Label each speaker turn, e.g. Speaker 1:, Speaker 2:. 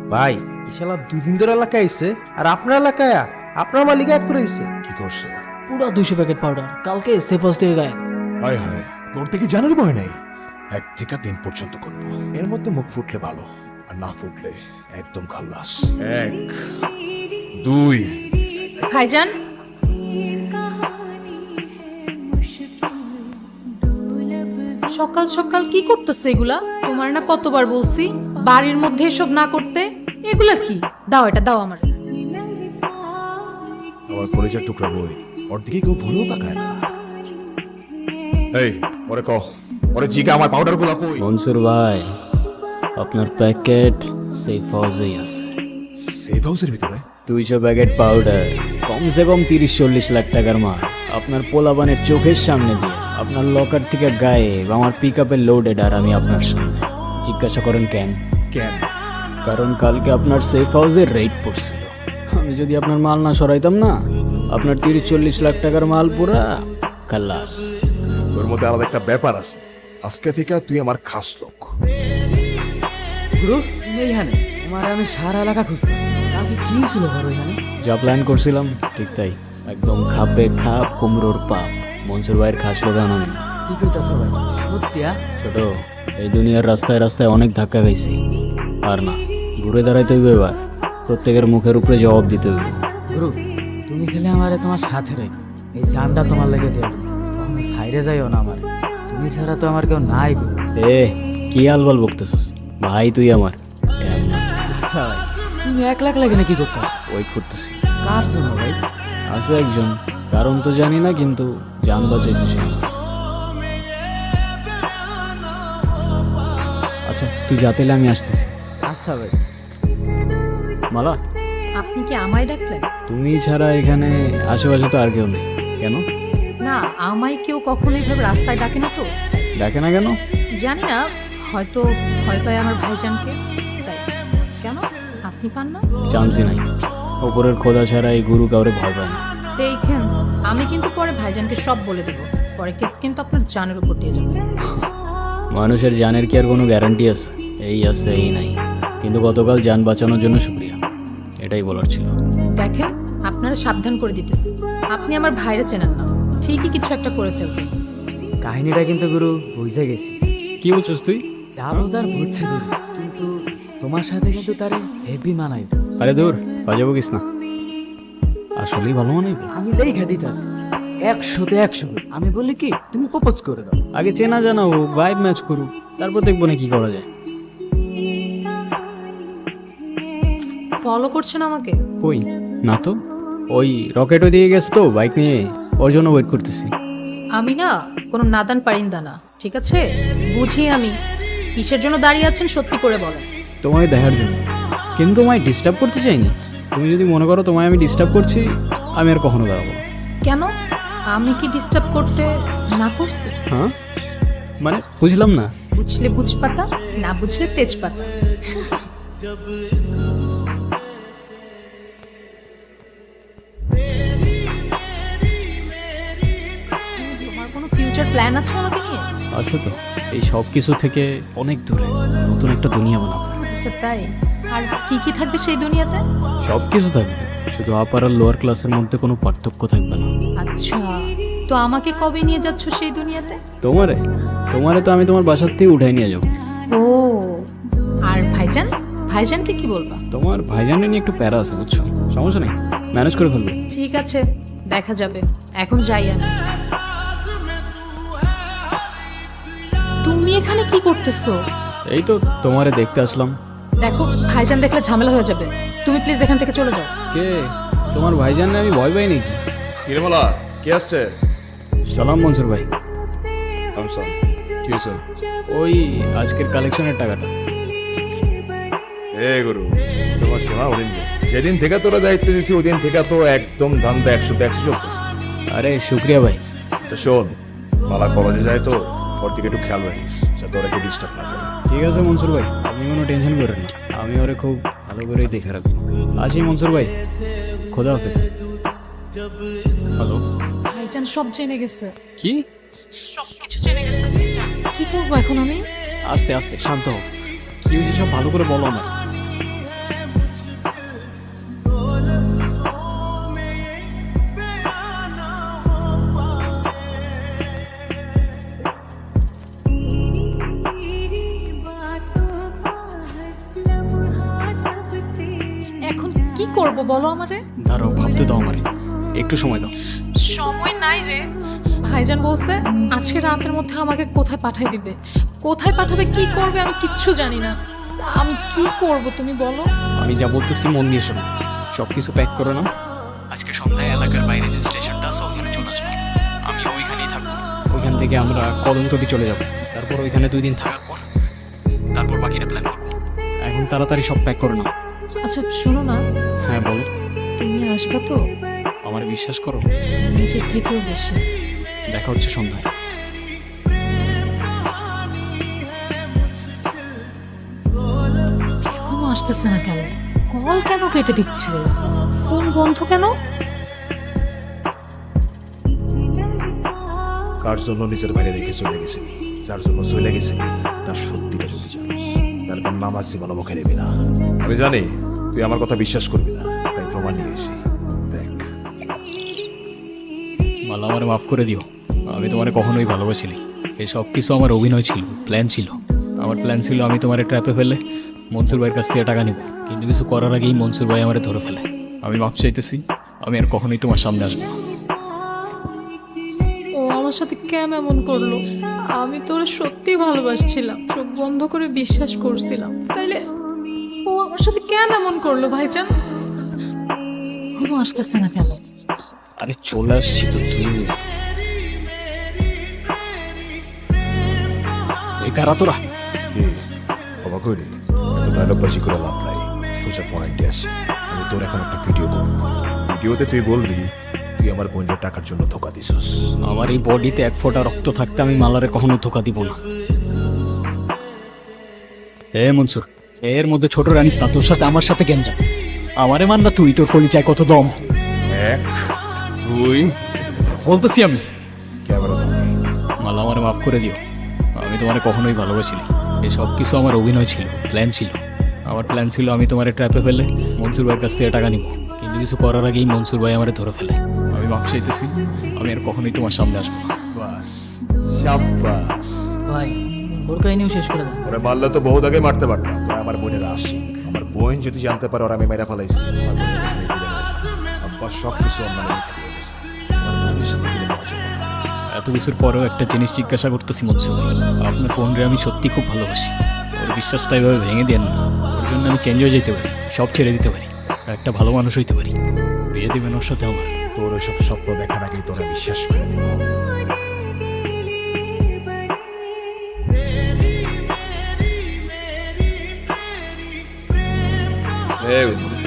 Speaker 1: ভাই ইশালা 2 দিন ধরে এলাকায় আইছে আর আপনার এলাকায় আপনার মালিক এক করে আইছে।
Speaker 2: কি করছে?
Speaker 3: পুরো 200 প্যাকেট পাউডার কালকে সেফ হাউস থেকে গায়ে।
Speaker 2: হায় হায়, তোর থেকে জানার ভয় নাই। 1 থেকে 3 পর্যন্ত করবো, এর মধ্যে মুখ ফুটলে ভালো, আর না ফুটলে একদম খাল্লাস। 1 2
Speaker 4: ভাইজান, সকাল সকাল কি করতেছে এগুলা? তোমার না কতবার বলছি বাড়ির মধ্যে এসব না করতে। এগুলা কি? দাও, এটা দাও আমার।
Speaker 2: আমার কলেজের টুকরা বই, ওর দিকে কেউ ভুলেও তাকায় না। এই ওরে কহ, ওরে জিগা আমার পাউডার গুলো কই?
Speaker 3: মনসুর ভাই, আপনার প্যাকেট সেফ হাউসেই আছে।
Speaker 2: সেফ হাউসের ভিতরে?
Speaker 3: 200 প্যাকেট পাউডার, কমসে কম 30-40 লাখ টাকার মাল। আপনার পোলাবানের চোখের সামনে দিয়ে আপনার লকার থেকে গায়েব, আমার পিক আপে লোডেড, আর আমি আপনার সামনে। জিজ্ঞাসা করেন কেন?
Speaker 2: কেন?
Speaker 3: কারণ কালকে আপনার সেফ হাউসের রেট পড়ছিল। আমি যদি আপনার মাল না সরাইতাম না, আপনার 30-40 লাখ টাকার মাল পুরা খাল্লাস।
Speaker 2: তোর মধ্যে আলাদা একটা ব্যাপার আছে। আজকে থেকে তুই আমার খাস লোক।
Speaker 5: গুরু তুমি এইখানে? তোমার আমি সারা এলাকা খুঁজতেছি। কালকে কি ছিল বড় এখানে?
Speaker 3: যা প্ল্যান করছিলাম ঠিক তাই, একদম খাপে খাপ, কুমড়োর পাপ। মনসুর ভাইয়ের খাস লোকান আমি।
Speaker 5: কি কইতাছো ভাই? সত্যিয়া?
Speaker 3: ছোট, এই দুনিয়ার রাস্তায় রাস্তায় অনেক ধাক্কা খাইছি, আর না ঘুরে দাঁড়াইতে হইবে। এবার প্রত্যেকের মুখের উপরে জবাব দিতে হইবে।
Speaker 5: গুরু তুমি খেলে আমারে তোমার সাথে রেখো। এই জানটা তোমার লেগে দেয়া তুমি সাইডে যাইও না আমার। তুমি ছাড়া তো আমার কেউ নাই গুরু।
Speaker 3: এ কি আলবাল বকতেছস ভাই? তুই আমার
Speaker 5: আচ্ছা ভাই, তুমি একলা একলা এখানে কি করতেছো?
Speaker 3: ওয়েট করতেছি।
Speaker 5: কার জন্য ভাই?
Speaker 3: আছে একজন, কারণ তো জানি না, কিন্তু জান বাঁচাইছে সে। আচ্ছা তুই যাতেলে আমি আসতেছি।
Speaker 5: আচ্ছা ভাই।
Speaker 3: মালা,
Speaker 4: আপনি কি আমায় ডাকলেন?
Speaker 3: তুমি ছাড়া এখানে আশেপাশে তো আর কেউ নেই। কেন
Speaker 4: না, আমায় কেউ কখনো এইভাবে রাস্তায় ডাকে না তো।
Speaker 3: ডাকে না কেন?
Speaker 4: জানি না, হয়তো ভয় পায় আমার ভাইজানকে, তাই। কেন, আপনি পান না?
Speaker 3: চান্সই নাই। ওপরের খোদা ছাড়া এই গুরু কাউরে ভয় পায় না।
Speaker 4: দেখেন, আমি কিন্তু পরে ভাইজানকে সব বলে দেবো। পরে কেস কিন্তু আপনার জানের উপর দিয়ে যাবে।
Speaker 3: মানুষের জানের কি আর কোনো গ্যারান্টি আছে? এই আছে, এই নাই। কিন্তু গতকাল জান বাঁচানোর জন্য শুক্রিয়া, এটাই বলার ছিল।
Speaker 4: দেখেন, আপনারা সাবধান করে দিতেছে। আপনি আমার ভাইরে চেনেন না, ঠিকই কিছু একটা করে ফেলবেন।
Speaker 5: কাহিনীটা কিন্তু গুরু বুঝে গেছি।
Speaker 3: কি বলছিস তুই?
Speaker 5: যা বোঝার বুঝছি গুরু, কিন্তু তোমার সাথে কিন্তু তারে হেভি মানাইব।
Speaker 3: আরে দূর, বাজে বকিস না। আসলেই ভালো মানাইব।
Speaker 5: আমি দেখা দিতেছি 100-তে 100। আমি বলি কি, তুমি প্রপোজ করে দাও।
Speaker 3: আগে চেনা জানা হোক, ভাইব ম্যাচ করুক, তারপর দেখবো না কি করা যায়।
Speaker 4: ফলো করছেন আমাকে?
Speaker 3: কই না তো, ওই রকেটও দিয়ে গেছে তো বাইক নিয়ে, ওর জন্য ওয়েট করতেছি।
Speaker 4: আমি না কোনো নাদান পারিন্দা না, ঠিক আছে? বুঝি আমি কিসের জন্য দাঁড়িয়ে আছেন, সত্যি করে বলেন।
Speaker 3: তোমায় দেখার জন্য, কিন্তু তোমায় ডিস্টার্ব করতে চাইনি। তুমি যদি মনে করো তোমায় আমি ডিস্টার্ব করছি, আমি আর কখনো দাঁড়াবো না।
Speaker 4: কেন, আমি কি ডিস্টার্ব করতে না করছি?
Speaker 3: হ্যাঁ মানে বুঝলাম না।
Speaker 4: বুঝলে বুঝপাতা, না বুঝলে তেজপাতা। তোমার কোনো ফিউচার প্ল্যান আছে আমাকে নিয়ে?
Speaker 3: আছে তো, এই সব কিছু থেকে অনেক দূরে নতুন একটা দুনিয়া বানাবো।
Speaker 4: আচ্ছা তাই? আর কি কি থাকবে সেই দুনিয়াতে?
Speaker 3: সব কিছু থাকবে, শুধু আপার আর লোয়ার ক্লাসের মধ্যে কোনো পার্থক্য থাকবে না।
Speaker 4: আচ্ছা, তো আমাকে কবে নিয়ে যাচ্ছ সেই দুনিয়াতে?
Speaker 3: তোমারে তোমারে তো আমি তোমার বাসার থেকে উঠাই নিয়ে যাবো।
Speaker 4: ও, আর ভাইজান, ভাইজানকে কি বলবা?
Speaker 3: তোমার ভাইজানের নিয়ে একটু প্যারা আছে বুঝছো, সমস্যা নেই, ম্যানেজ করে ফেলবো।
Speaker 4: ঠিক আছে, দেখা যাবে। এখন যাই আমি। তুমি এখানে কি করতেছো?
Speaker 3: এই তো তোমারে দেখতে আসলাম।
Speaker 4: দেখো, ভাইজান দেখলে ঝামেলা হয়ে যাবে। তুমি প্লিজ এখান থেকে চলে যাও।
Speaker 3: কে তোমার ভাইজানে আমি ভয় পাই নাকি?
Speaker 2: কিরমলা কে আসছে?
Speaker 3: সালাম মনসুর ভাই।
Speaker 2: আমসান, কি হয়েছে?
Speaker 3: ওই আজকের কালেকশনের টাকাটা।
Speaker 2: এ গুরু, তোমার শোনা হরিণ, যেদিন থেকে তোরা দায়িত্ব দিছি ওই দিন থেকে তো একদম ধান্দা 100-তে 100 চলতেছে।
Speaker 3: আরে শুক্রিয়া ভাই।
Speaker 2: আচ্ছা শোন, মালা কলেজে যায় তো, ওর দিকে একটু খেয়াল রাখিস যাতে ওরা একটু ডিস্টার্ব না করে।
Speaker 3: ঠিক আছে মনসুর ভাই, আপনি কোনো টেনশন করেন না, আমি ওরে খুব ভালো করেই দেখে রাখবো। আসি মনসুর ভাই, খোদা হাফেজ। হ্যালো,
Speaker 4: ভাইজান সব জেনে গেছে,
Speaker 3: কি?
Speaker 4: সব কিছু জেনে গেছে ভাইজান। কি করবো এখন আমি?
Speaker 3: আস্তে আস্তে শান্ত হও, কি হয়েছে সব ভালো করে বলো আমার।
Speaker 4: এখন কি করব বলো আমারে?
Speaker 3: দাঁড়াও, ভাবতে দাও আমারে, একটু সময় দাও।
Speaker 4: সময় নাই রে। ভাইজান বলছে আজকে রাতের মধ্যে আমাকে কোথায় পাঠাই দিবে, কোথায় পাঠাবে, কি করবে আমি কিচ্ছু জানি না। আমি কি করব তুমি বলো?
Speaker 3: আমি যা বলতেছি মন দিয়ে শোনো। সব কিছু প্যাক করো না, আজকে সন্ধ্যায় এলাকার বাইরে যে স্টেশনটা আছে ওখানে চলে আসবো। আমি ওইখানেই থাকবো। ওইখান থেকে আমরা কদমতলি চলে যাব। তারপর ওইখানে 2 দিন থাকার পর তারপর বাকিটা প্ল্যান করবো। এখন তাড়াতাড়ি সব প্যাক করো না।
Speaker 4: আচ্ছা শোনো না,
Speaker 3: হ্যাঁ বলো।
Speaker 4: তুমি আসবে তো?
Speaker 3: আমার বিশ্বাস করো,
Speaker 4: নিজের থেকেও বেশি।
Speaker 3: দেখা হচ্ছে সন্ধ্যায়।
Speaker 4: এখনো আসতেছে না কেন? কল কেন কেটে দিচ্ছে? ফোন বন্ধ কেন?
Speaker 2: কার জন্য নিজের বাইরে রেখে চলে গেছিলি, যার জন্য চলে গেছিলি তার সত্যিটা যদি জানিস তাহলে তার নামাজ জীবন মুখে নেবি না। আমি জানি তুই আমার কথা বিশ্বাস করবি না, তাই প্রমাণ নিয়ে গেছি। দেখ,
Speaker 3: মালা, আমার মাফ করে দিও। আমি তোমারে কখনোই ভালোবাসিনি। এই সব কিছু আমার অভিনয় ছিল, প্ল্যান ছিল। আমার প্ল্যান ছিল আমি তোমার ট্র্যাপে ফেলে মনসুর ভাইয়ের কাছ থেকে টাকা নিব, কিন্তু কিছু করার আগেই মনসুর ভাই আমারে ধরে ফেলে। আমি মাফ চাইতেছি, আমি আর কখনোই তোমার সামনে আসবো না।
Speaker 4: ও আমার সাথে কেন এমন করলো? আমি তো ওরে সত্যি ভালোবাসছিলাম, চোখ বন্ধ করে বিশ্বাস করছিলাম। তাইলে ও আমার সাথে কেন এমন করলো ভাইজান? ঘুম আসতেছে না কেন?
Speaker 3: আরে চলে আসছি তো, 2 মিনিট। এই কারা তোরা?
Speaker 2: কি অবাক হইলি? এত ডায়লগবাজি করে লাভ নাই, সোজা পয়েন্টে আসি। আমি তোর এখন একটা ভিডিও করবো। ভিডিওতে তুই বলবি তুই আমার বোনের টাকার জন্য ধোকা দিছস।
Speaker 3: আমার এই বডিতে 1 ফোঁটা রক্ত থাকতে আমি মালারে কখনো ধোকা দিব না। মনসুর, এর মধ্যে ছোট রানিস না, তোর সাথে আমার সাথে গেঞ্জা। আমারে মান না তুই, তোর কলিজায় কত দম।
Speaker 2: 1 2
Speaker 3: বলতেছি আমি।
Speaker 2: ক্যামেরা ধর।
Speaker 3: মালা, আমারে মাফ করে দিও। আমি তোমারে কখনোই ভালোবাসিনি। এই সব কিছু আমার অভিনয় ছিল, প্ল্যান ছিল। আমার প্ল্যান ছিল আমি তোমার ট্র্যাপে ফেলে মনসুর ভাইয়ের কাছ থেকে টাকা নিব, কিন্তু কিছু করার আগেই মনসুর ভাই আমারে ধরে ফেলে। আমি মাফ চাইতেছি, আমি আর কখনোই তোমার সামনে আসবো না।
Speaker 2: বাস, শাবাশ।
Speaker 5: ভাই ওর কাহিনীও শেষ করে দেন।
Speaker 2: ওরা মারলে তো বহুত আগে মারতে পারতাম। তোরা আমার বোনের আশিক। আমার বোন যদি জানতে পারে ওরা আমি মেরা ফেলাইছি, আমার বোনের কাছে নিয়ে ফিরে নিয়ে যাবে। আব্বা সব কিছু অন্য লিখে দিয়ে গেছে। আমার বোনের সামনে গেলে নেওয়া যাবে না।
Speaker 3: এত কিছুর পরেও একটা জিনিস জিজ্ঞাসা করতেছি মনসুর ভাই, আপনার বোনরে আমি সত্যি খুব ভালোবাসি। ওর বিশ্বাসটা এভাবে ভেঙে দেন না। ওর জন্য আমি চেঞ্জ হয়ে যেতে পারি, সব ছেড়ে দিতে পারি, একটা ভালো মানুষ হইতে পারি। বিয়ে দেবেন ওর সাথে আমার।
Speaker 2: তোর ওইসব স্বপ্ন দেখার আগেই তোরা বিশ্বাস করে দেব। এই